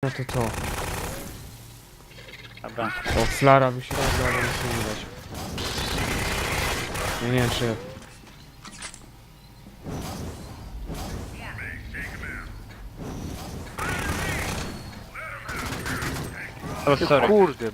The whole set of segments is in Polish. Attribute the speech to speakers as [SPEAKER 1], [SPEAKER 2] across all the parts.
[SPEAKER 1] No to.
[SPEAKER 2] Dobra.
[SPEAKER 1] O, flara by się robiła, ale nic nie widać. Ja nie wiem czy...
[SPEAKER 2] O, sorry.
[SPEAKER 3] Kurde,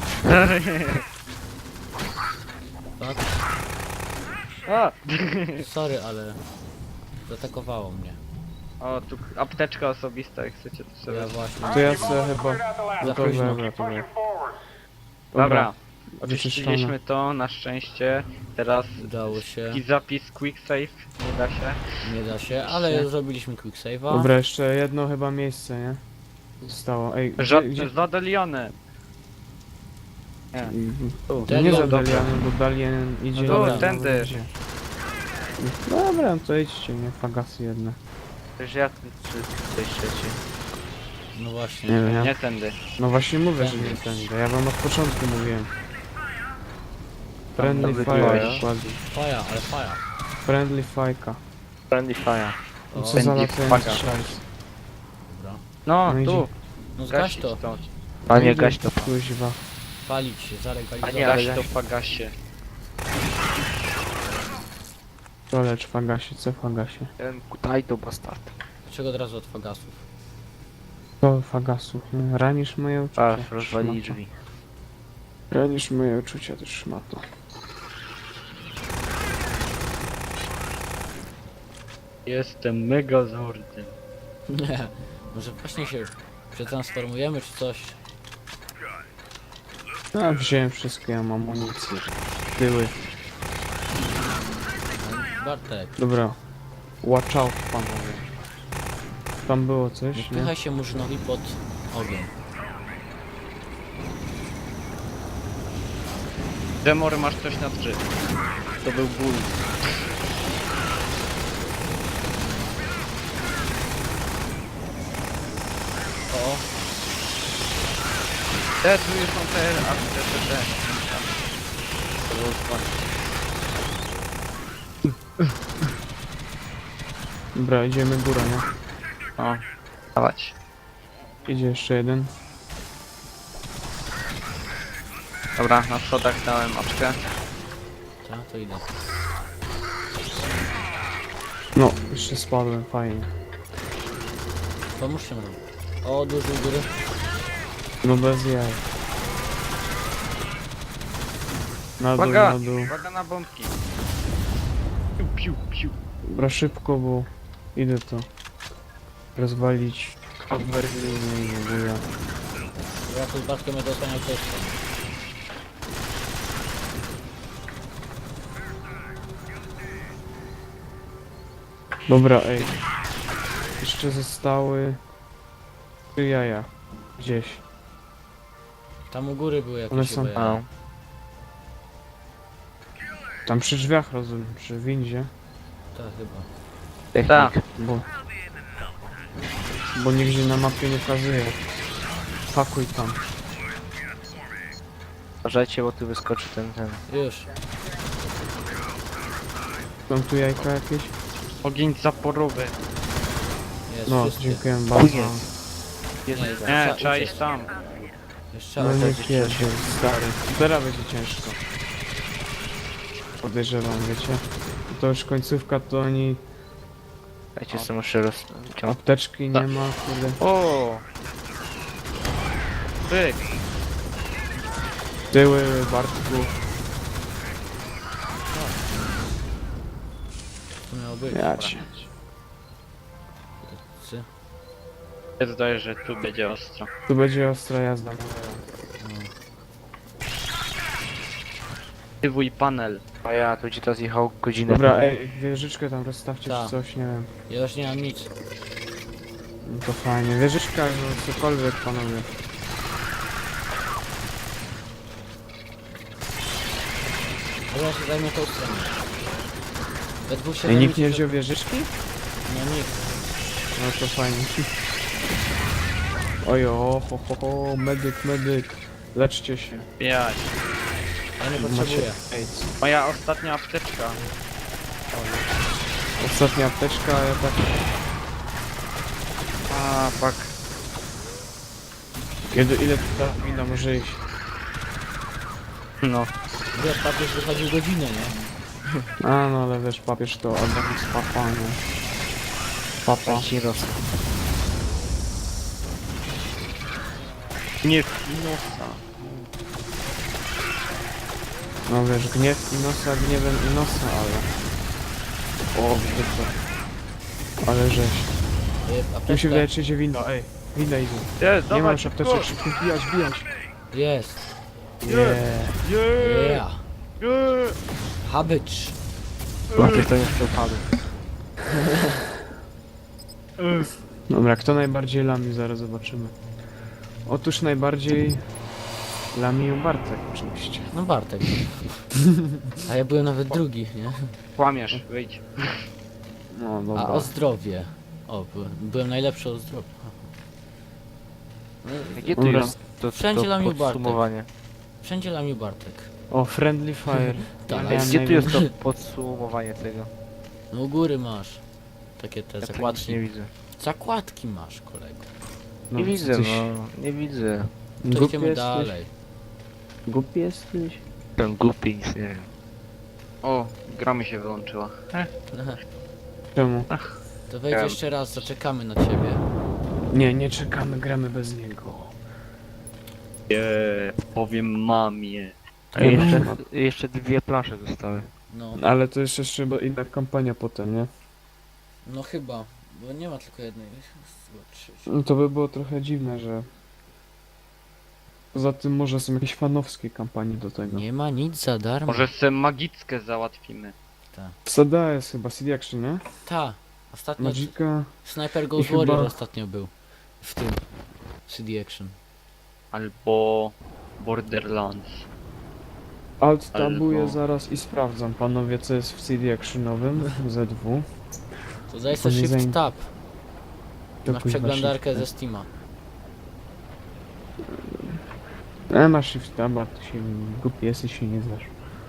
[SPEAKER 4] Tak?
[SPEAKER 2] A!
[SPEAKER 4] Sorry, ale zaatakowało mnie.
[SPEAKER 2] O, tu apteczka osobista, jak chcecie to sobie.
[SPEAKER 4] Ja właśnie.
[SPEAKER 1] To ja sobie chyba... No to
[SPEAKER 4] późno.
[SPEAKER 1] dobra, to dobra.
[SPEAKER 2] Dobra.
[SPEAKER 1] Wyczyszczone.
[SPEAKER 2] Oczyściliśmy to, na szczęście. Teraz
[SPEAKER 4] Udało się.
[SPEAKER 2] taki zapis quick save, nie da się.
[SPEAKER 4] Nie da się, ale zrobiliśmy quick save'a.
[SPEAKER 1] Dobra, jeszcze jedno chyba miejsce, nie? Zostało. Ej, gdzie...
[SPEAKER 2] Zadalione. Nie.
[SPEAKER 1] To
[SPEAKER 4] Ten
[SPEAKER 1] nie
[SPEAKER 4] ląd,
[SPEAKER 1] za
[SPEAKER 4] dobra.
[SPEAKER 1] Dalianem, bo Dalien idzie...
[SPEAKER 4] No dobra.
[SPEAKER 1] na-
[SPEAKER 2] Tędy.
[SPEAKER 1] idzie. Dobra, no to idźcie, nie? Fagasy jedne.
[SPEAKER 3] Przecież ja czy coś trzeci.
[SPEAKER 4] No właśnie.
[SPEAKER 1] Nie wiem, ja...
[SPEAKER 2] Nie tędy.
[SPEAKER 1] No właśnie mówię, że nie tędy. Ja wam od początku mówiłem. Friendly
[SPEAKER 3] Dobry
[SPEAKER 1] fire
[SPEAKER 3] fire.
[SPEAKER 1] dokładnie.
[SPEAKER 4] Faja, ale faja.
[SPEAKER 1] Friendly fajka.
[SPEAKER 3] Friendly fire.
[SPEAKER 1] No
[SPEAKER 4] O,
[SPEAKER 1] co za
[SPEAKER 2] Friendly
[SPEAKER 1] latający
[SPEAKER 2] fire.
[SPEAKER 1] szajs.
[SPEAKER 4] dobra.
[SPEAKER 2] No,
[SPEAKER 1] No
[SPEAKER 2] tu.
[SPEAKER 4] No zgaś
[SPEAKER 2] Gasić
[SPEAKER 4] to.
[SPEAKER 2] to.
[SPEAKER 3] Panie,
[SPEAKER 1] Idę,
[SPEAKER 3] gaś to.
[SPEAKER 1] Kuźwa.
[SPEAKER 4] Palić się,
[SPEAKER 3] A nie,
[SPEAKER 4] zalegalizować.
[SPEAKER 3] ale
[SPEAKER 2] Gaś
[SPEAKER 3] ja-
[SPEAKER 2] to w pagasie.
[SPEAKER 1] To lecz fagasie, co fagasie?
[SPEAKER 3] Daj to bastard.
[SPEAKER 4] Dlaczego od razu od fagasów?
[SPEAKER 1] To fagasów, nie? Ranisz moje uczucia.
[SPEAKER 3] Aż rozwalili
[SPEAKER 1] szmato.
[SPEAKER 3] drzwi.
[SPEAKER 1] Ranisz moje uczucia, też szmato.
[SPEAKER 2] Jestem megazordem.
[SPEAKER 4] Nie. Może właśnie się przetransformujemy czy coś?
[SPEAKER 1] No, wziąłem wszystko, ja mam amunicję. Tyły.
[SPEAKER 4] Bartek,
[SPEAKER 1] Dobra. Watch out, panowie. Tam było
[SPEAKER 4] nie
[SPEAKER 1] coś, nie?
[SPEAKER 4] wpychaj się murzynowi pod ogień.
[SPEAKER 2] Demor, masz coś na 3. To był ból.
[SPEAKER 4] O,
[SPEAKER 2] Te, tu już są te. To było dwa.
[SPEAKER 1] Dobra, idziemy górą, nie?
[SPEAKER 2] O, dawać.
[SPEAKER 1] Idzie jeszcze jeden.
[SPEAKER 2] Dobra, na schodach dałem oczkę.
[SPEAKER 4] tak, to idę.
[SPEAKER 1] No, jeszcze spadłem, fajnie.
[SPEAKER 4] Pomóżcie mi. O, duży u góry.
[SPEAKER 1] No bez jaj. Na dół,
[SPEAKER 2] Uwaga!
[SPEAKER 1] na dół.
[SPEAKER 2] Uwaga na bombki. Piu, piu, piu.
[SPEAKER 1] Dobra, szybko, bo idę to rozwalić. Berliny i w ogóle.
[SPEAKER 4] Ja tu z Bartkiem będę osłaniał też.
[SPEAKER 1] Dobra, ej. Jeszcze zostały 3 jaja. Gdzieś.
[SPEAKER 4] Tam u góry były jakieś
[SPEAKER 1] One są-
[SPEAKER 4] chyba
[SPEAKER 3] A.
[SPEAKER 4] jaja.
[SPEAKER 1] Tam przy drzwiach rozumiem, przy windzie.
[SPEAKER 4] Tak chyba.
[SPEAKER 3] Technik.
[SPEAKER 1] Bo nigdzie na mapie nie pokazuje. Pakuj tam.
[SPEAKER 3] Uważajcie, bo tu wyskoczy ten.
[SPEAKER 4] Już.
[SPEAKER 1] Są tu jajka jakieś?
[SPEAKER 2] Ogień zaporowy.
[SPEAKER 4] Jest
[SPEAKER 1] No,
[SPEAKER 4] wszyscy.
[SPEAKER 1] dziękuję bardzo.
[SPEAKER 3] Jest.
[SPEAKER 4] Nie,
[SPEAKER 2] Nie, trzeba iść tam.
[SPEAKER 4] Jeszcze
[SPEAKER 1] No
[SPEAKER 4] raz.
[SPEAKER 1] niech jedzie, stary. Teraz będzie ciężko. Podejrzewam, wiecie. To już końcówka, to oni
[SPEAKER 3] Dajcie sobie muszę rozciągnąć.
[SPEAKER 1] apteczki nie ma, kurde.
[SPEAKER 2] O! Byk.
[SPEAKER 1] Tyły, Bartku.
[SPEAKER 4] To miało być.
[SPEAKER 1] Ja cię.
[SPEAKER 4] Cy.
[SPEAKER 2] Ja zdaję, że tu będzie ostro.
[SPEAKER 1] Tu będzie ostra jazda.
[SPEAKER 2] Aktywuj panel.
[SPEAKER 3] A ja tu gdzie to zjechał godzinę.
[SPEAKER 1] Dobra, ej, wieżyczkę tam rozstawcie
[SPEAKER 4] Tak.
[SPEAKER 1] czy coś, nie wiem.
[SPEAKER 4] Ja już nie mam nic.
[SPEAKER 1] No to fajnie. Wieżyczka, no cokolwiek, panowie.
[SPEAKER 4] Dobra, ja się zajmę tą stronę. We dwóch się
[SPEAKER 1] Ej, nikt nie
[SPEAKER 4] zajmiecie-
[SPEAKER 1] wziął wieżyczki?
[SPEAKER 4] Nie, nikt.
[SPEAKER 1] No to fajnie. Ojo, ho, medyk, medyk. Leczcie się.
[SPEAKER 2] Jaj.
[SPEAKER 4] Ja nie
[SPEAKER 1] Macie
[SPEAKER 4] potrzebuję.
[SPEAKER 1] AIDS.
[SPEAKER 2] Moja ostatnia apteczka.
[SPEAKER 1] Ostatnia apteczka, a ja tak...
[SPEAKER 2] A, fuck.
[SPEAKER 1] Ile ta wina może iść?
[SPEAKER 3] No.
[SPEAKER 4] Wiesz, papież wychodził godzinę, nie?
[SPEAKER 1] A no ale wiesz, papież to Adam z papa, nie? Papa.
[SPEAKER 3] Ci rosną.
[SPEAKER 2] Nie Inosa.
[SPEAKER 1] No wiesz, gniew Inosa gniewem Inosa, ale... O, wiecie co? Ale żeś. Mi się
[SPEAKER 4] Apteczka
[SPEAKER 1] wydaje, czy idzie wino, ej. Wina idzie.
[SPEAKER 2] Jest,
[SPEAKER 1] Nie mam
[SPEAKER 2] dawaj,
[SPEAKER 1] już apteczek, szybko wbijać, wbijać.
[SPEAKER 4] jest.
[SPEAKER 1] Nie.
[SPEAKER 4] Yeah. Habycz.
[SPEAKER 3] Papież to nie przepadł.
[SPEAKER 1] Dobra, kto najbardziej lami? Zaraz zobaczymy. Otóż najbardziej lami Bartek oczywiście.
[SPEAKER 4] No Bartek. A ja byłem nawet drugi, nie?
[SPEAKER 2] Kłamiesz, wyjdź.
[SPEAKER 1] No dobra.
[SPEAKER 4] A o zdrowie. O, byłem najlepszy o zdrowie.
[SPEAKER 3] Gdzie tu
[SPEAKER 1] Dobra.
[SPEAKER 3] jest to
[SPEAKER 4] Wszędzie lamił Bartek.
[SPEAKER 3] podsumowanie?
[SPEAKER 4] Wszędzie lamił Bartek.
[SPEAKER 1] O, Friendly Fire.
[SPEAKER 4] Tak.
[SPEAKER 1] Ja
[SPEAKER 3] Ej,
[SPEAKER 1] miałem
[SPEAKER 3] gdzie tu jest to
[SPEAKER 1] najwięcej-
[SPEAKER 3] podsumowanie tego?
[SPEAKER 4] No u góry masz. Takie te
[SPEAKER 3] Ja tu nic
[SPEAKER 4] zakładki.
[SPEAKER 3] nie widzę.
[SPEAKER 4] Zakładki masz, kolego.
[SPEAKER 1] No,
[SPEAKER 3] Nie widzę,
[SPEAKER 1] coś-
[SPEAKER 3] no. Nie widzę.
[SPEAKER 4] To
[SPEAKER 1] Głupi
[SPEAKER 4] idziemy
[SPEAKER 1] jesteś?
[SPEAKER 4] dalej.
[SPEAKER 1] Głupi jesteś?
[SPEAKER 3] Ten głupi nic nie wiem.
[SPEAKER 2] O, gra mi się wyłączyła.
[SPEAKER 1] Czemu?
[SPEAKER 4] To wejdź jeszcze raz, zaczekamy na ciebie.
[SPEAKER 1] Nie czekamy, gramy bez niego.
[SPEAKER 2] Powiem mamie.
[SPEAKER 3] A
[SPEAKER 1] Ja
[SPEAKER 3] jeszcze,
[SPEAKER 1] mam-
[SPEAKER 3] jeszcze dwie plansze zostały.
[SPEAKER 4] No,
[SPEAKER 1] Ale to jest jeszcze bo inna kampania potem, nie?
[SPEAKER 4] no chyba. Bo nie ma tylko jednej.
[SPEAKER 1] No to by było trochę dziwne, że... Poza tym może są jakieś fanowskie kampanie do tego.
[SPEAKER 4] Nie ma nic za darmo.
[SPEAKER 2] Może sobie magickę załatwimy.
[SPEAKER 1] Sada jest chyba CD Action, nie?
[SPEAKER 4] Ta. Ostatnio
[SPEAKER 1] Magica...
[SPEAKER 4] Sniper Ghost
[SPEAKER 1] chyba-
[SPEAKER 4] Warrior ostatnio był. W tym. CD Action.
[SPEAKER 2] Albo Borderlands.
[SPEAKER 1] Alt tabuję
[SPEAKER 2] Albo-
[SPEAKER 1] zaraz i sprawdzam, panowie, co jest w CD Actionowym, ZW.
[SPEAKER 4] To daj
[SPEAKER 1] To
[SPEAKER 4] sobie
[SPEAKER 1] nie
[SPEAKER 4] Shift
[SPEAKER 1] zain-
[SPEAKER 4] Tab.
[SPEAKER 1] To
[SPEAKER 4] Masz
[SPEAKER 1] kuźwa
[SPEAKER 4] przeglądarkę
[SPEAKER 1] shift
[SPEAKER 4] ze Steama.
[SPEAKER 1] tab. Masz shift taba, ty się głupi jesteś, się nie znasz.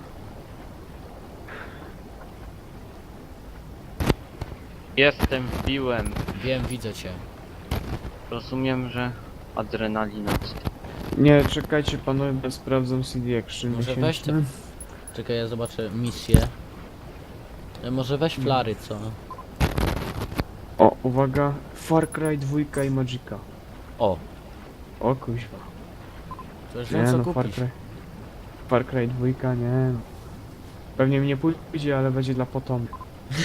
[SPEAKER 2] Jestem, wbiłem.
[SPEAKER 4] Wiem, widzę cię.
[SPEAKER 2] Rozumiem, że adrenalina.
[SPEAKER 1] Nie, czekajcie panowie, bo sprawdzam CD Action
[SPEAKER 4] Może weź
[SPEAKER 1] miesięczny.
[SPEAKER 4] Czekaj, ja zobaczę misję. Może weź flary, co?
[SPEAKER 1] O, uwaga, Far Cry 2 i Magica.
[SPEAKER 4] O,
[SPEAKER 1] O kuźwa.
[SPEAKER 4] to już
[SPEAKER 1] Nie
[SPEAKER 4] wiem co
[SPEAKER 1] no, Far
[SPEAKER 4] kupić.
[SPEAKER 1] Cry... Far Cry 2, nie no. Pewnie mi nie pójdzie, ale będzie dla potomnych.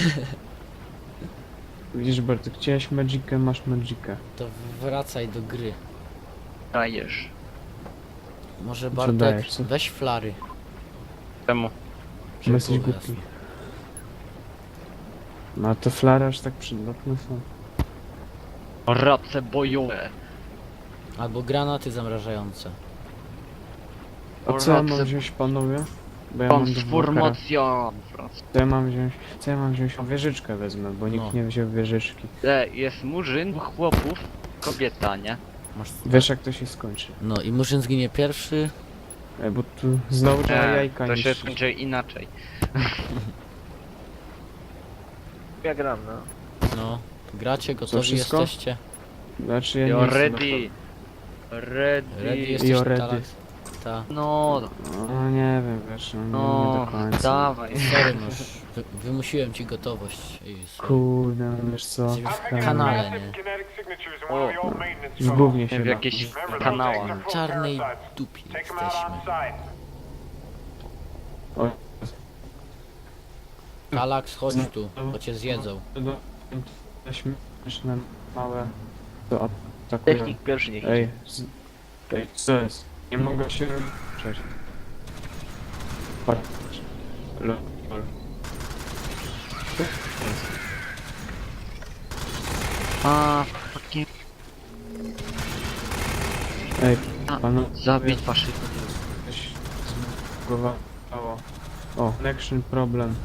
[SPEAKER 1] Widzisz Bartek, chciałeś Magicę, masz Magicę.
[SPEAKER 4] To wracaj do gry.
[SPEAKER 2] Dajesz.
[SPEAKER 4] Może
[SPEAKER 1] Co
[SPEAKER 4] Bartek,
[SPEAKER 1] dajesz, co?
[SPEAKER 4] weź flary.
[SPEAKER 2] Czemu?
[SPEAKER 1] My jesteś
[SPEAKER 4] Żeby było
[SPEAKER 1] głupi. No a to flary aż tak przydatne są.
[SPEAKER 2] Race bojowe.
[SPEAKER 4] jasne. Albo granaty zamrażające.
[SPEAKER 1] A co ja mam
[SPEAKER 2] Race-
[SPEAKER 1] wziąć panowie? Bo ja mam dwa
[SPEAKER 2] Transformacja.
[SPEAKER 1] Co ja mam wziąć? Co ja mam wziąć? O, wieżyczkę wezmę, bo nikt
[SPEAKER 4] No.
[SPEAKER 1] nie wziął wieżyczki.
[SPEAKER 2] Jest murzyn, chłopów, kobieta, nie?
[SPEAKER 4] Masz...
[SPEAKER 1] Wiesz jak to się skończy.
[SPEAKER 4] No i Murzyn zginie pierwszy.
[SPEAKER 1] Bo tu znowu trzeba jajka
[SPEAKER 2] to się
[SPEAKER 1] niszczyć.
[SPEAKER 2] skończy inaczej.
[SPEAKER 3] Ja gram, no.
[SPEAKER 4] No. Gracie, gotowi
[SPEAKER 1] wszystko?
[SPEAKER 4] jesteście?
[SPEAKER 1] Znaczy ja nie
[SPEAKER 2] You're
[SPEAKER 1] jestem
[SPEAKER 2] ready. Ready.
[SPEAKER 4] Ready jesteś,
[SPEAKER 1] You're ready.
[SPEAKER 4] Talax? Ta.
[SPEAKER 2] No,
[SPEAKER 1] No nie wiem, wiesz, no, nie
[SPEAKER 2] no,
[SPEAKER 1] do końca.
[SPEAKER 2] dawaj.
[SPEAKER 4] Sorry, no. Wymusiłem ci gotowość. I
[SPEAKER 1] Kurde, no wiesz co?
[SPEAKER 4] Jesteś w kanale, nie?
[SPEAKER 2] O,
[SPEAKER 1] W gównie się
[SPEAKER 2] w
[SPEAKER 1] da.
[SPEAKER 2] jakiejś kanałach.
[SPEAKER 4] W czarnej dupie jesteśmy.
[SPEAKER 1] O,
[SPEAKER 4] Talax, chodź tu, bo cię zjedzą.
[SPEAKER 1] no, te śmieszne małe to atakują.
[SPEAKER 3] Technik pierwszy niech
[SPEAKER 1] Ej,
[SPEAKER 3] idzie.
[SPEAKER 1] ej, co jest? Nie mogę się ruszać. Patrz. Lol.
[SPEAKER 2] A, fucking
[SPEAKER 1] Ej,
[SPEAKER 2] A,
[SPEAKER 1] panu
[SPEAKER 2] zabić faszystów.
[SPEAKER 1] coś zbugowało. O, connection problem.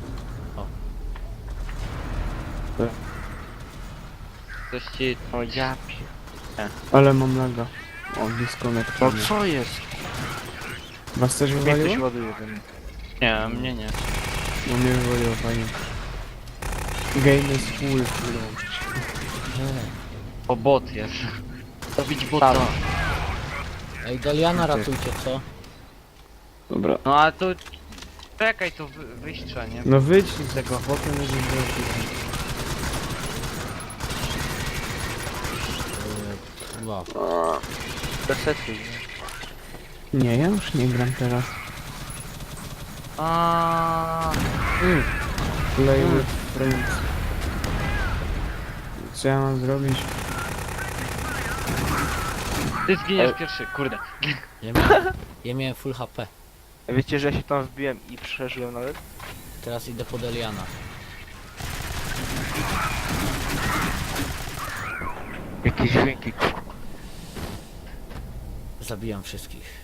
[SPEAKER 2] Coś ci...
[SPEAKER 3] O ja pi...
[SPEAKER 1] Ale mam laga. O, disconnect.
[SPEAKER 3] No co jest?
[SPEAKER 1] Was też
[SPEAKER 3] Mnie
[SPEAKER 1] wywaliło?
[SPEAKER 3] ktoś ładuje we mnie.
[SPEAKER 2] Nie, mnie nie.
[SPEAKER 1] No mnie wywaliło, fajnie. Game is full, wyłączyć.
[SPEAKER 2] O, bot jest. Zabić bota.
[SPEAKER 4] Ej, Deliana ratujcie, co?
[SPEAKER 1] Dobra.
[SPEAKER 2] No a to... Czekaj, to wyjść trzeba, nie?
[SPEAKER 1] No wyjdź z tego chłopie, nie wiem,
[SPEAKER 4] Wow.
[SPEAKER 3] Resetuj.
[SPEAKER 1] nie, ja już nie gram teraz. Play with friends. Co ja mam zrobić?
[SPEAKER 2] Ty zginiesz pierwszy, kurde.
[SPEAKER 4] Ja miałem full HP.
[SPEAKER 3] Wiecie, że ja się tam wbiłem i przeżyłem nawet?
[SPEAKER 4] Teraz idę po Deliana.
[SPEAKER 3] Jakieś dźwięki.
[SPEAKER 4] Zabijam wszystkich.